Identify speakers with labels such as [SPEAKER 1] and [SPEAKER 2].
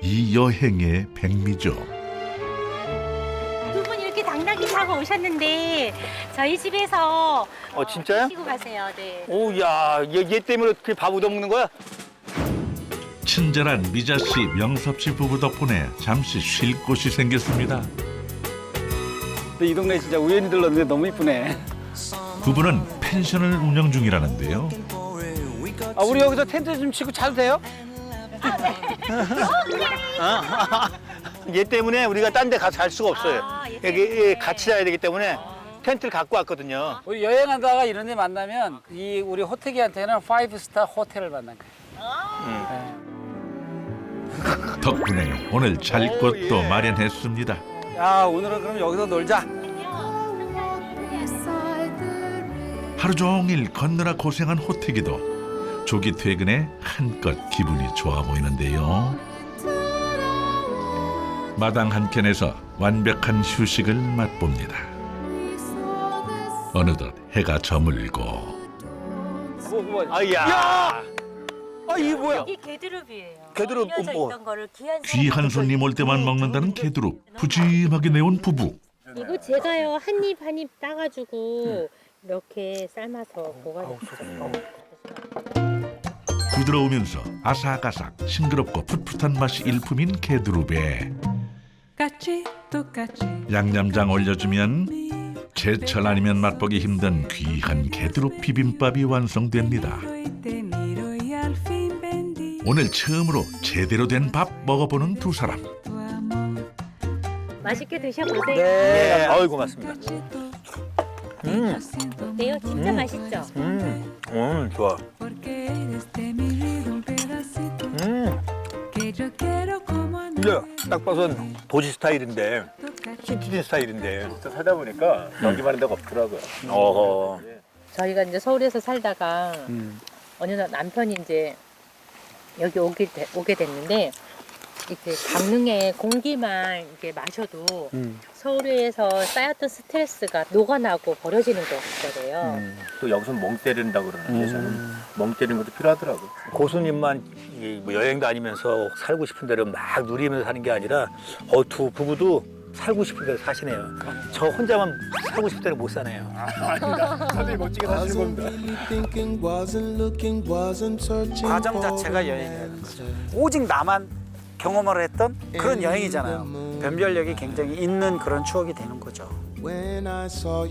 [SPEAKER 1] 이 여행의 백미죠.
[SPEAKER 2] 두 분 이렇게 당나귀 타고 오셨는데 저희 집에서
[SPEAKER 3] 진짜요?
[SPEAKER 2] 드시고 가세요. 네.
[SPEAKER 3] 오야 얘 때문에 어떻게 밥 얻어먹는 거야?
[SPEAKER 1] 친절한 미자 씨, 명섭 씨 부부 덕분에 잠시 쉴 곳이 생겼습니다.
[SPEAKER 4] 근데 이 동네 진짜 우연히 들렀는데 너무 이쁘네.
[SPEAKER 1] 부부는 펜션을 운영 중이라는데요.
[SPEAKER 4] 우리 여기서 텐트 좀 치고 자도 돼요?
[SPEAKER 3] 얘 때문에 우리가 딴 데 가서 잘 수가 없어요.
[SPEAKER 2] 얘
[SPEAKER 3] 여기
[SPEAKER 2] 때문에.
[SPEAKER 3] 같이 자야 되기 때문에 텐트를 갖고 왔거든요.
[SPEAKER 4] 우리 여행하다가 이런 데 만나면 우리 호텔기한테는 5스타 호텔을 만난 거예요.
[SPEAKER 1] 덕분에 오늘 잘 곳도 마련했습니다.
[SPEAKER 4] 야, 오늘은 그럼 여기서 놀자.
[SPEAKER 1] 하루 종일 걷느라 고생한 호태기도 조기 퇴근에 한껏 기분이 좋아 보이는데요. 마당 한켠에서 완벽한 휴식을 맛봅니다. 어느덧 해가 저물고
[SPEAKER 3] 아야.
[SPEAKER 4] 이게 뭐야?
[SPEAKER 2] 이게 게드룹이에요.
[SPEAKER 3] 게드룹,
[SPEAKER 2] 휘어져
[SPEAKER 3] 뭐.
[SPEAKER 2] 있던 거를 귀한
[SPEAKER 1] 귀한 손님 올 때만 먹는다는 게두릅 푸짐하게 내온 부부.
[SPEAKER 2] 이거 제가요 한 입 한 입 따가지고 이렇게 삶아서 보관했어요.
[SPEAKER 1] 부드러우면서 아삭아삭 싱그럽고 풋풋한 맛이 일품인 게두릅에 양념장 올려주면 제철 아니면 맛보기 힘든 귀한 게두릅 비빔밥이 완성됩니다. 오늘 처음으로 제대로 된 밥 먹어보는 두 사람.
[SPEAKER 2] 맛있게 드셔보세요.
[SPEAKER 3] 예. 어이 고맙습니다.
[SPEAKER 2] 어때요? 진짜 맛있죠?
[SPEAKER 3] 좋아. 이제 딱 봐선 도시 스타일인데 시티즌 스타일인데 살다 보니까 여기 많은 데가 없더라고요. 어허.
[SPEAKER 2] 저희가 이제 서울에서 살다가 어느 날 남편이 이제 여기 오게 됐는데 이렇게 강릉의 공기만 이렇게 마셔도 서울에서 쌓였던 스트레스가 녹아나고 버려지는 거래요.
[SPEAKER 3] 또 여기서 멍 때린다고 그러는데 저는 멍 때리는 것도 필요하더라고. 고수님만 뭐 여행 다니면서 살고 싶은 데를 막 누리면서 사는 게 아니라 두 부부도 살고 싶은 데를 사시네요. 저 혼자만 살고 싶은 데를 못 사네요. 다들 멋지게 사시는 겁니다.
[SPEAKER 4] 과정 자체가 여행이라는 거죠. 오직 나만 경험을 했던 그런 여행이잖아요. 변별력이 굉장히 있는 그런 추억이 되는 거죠.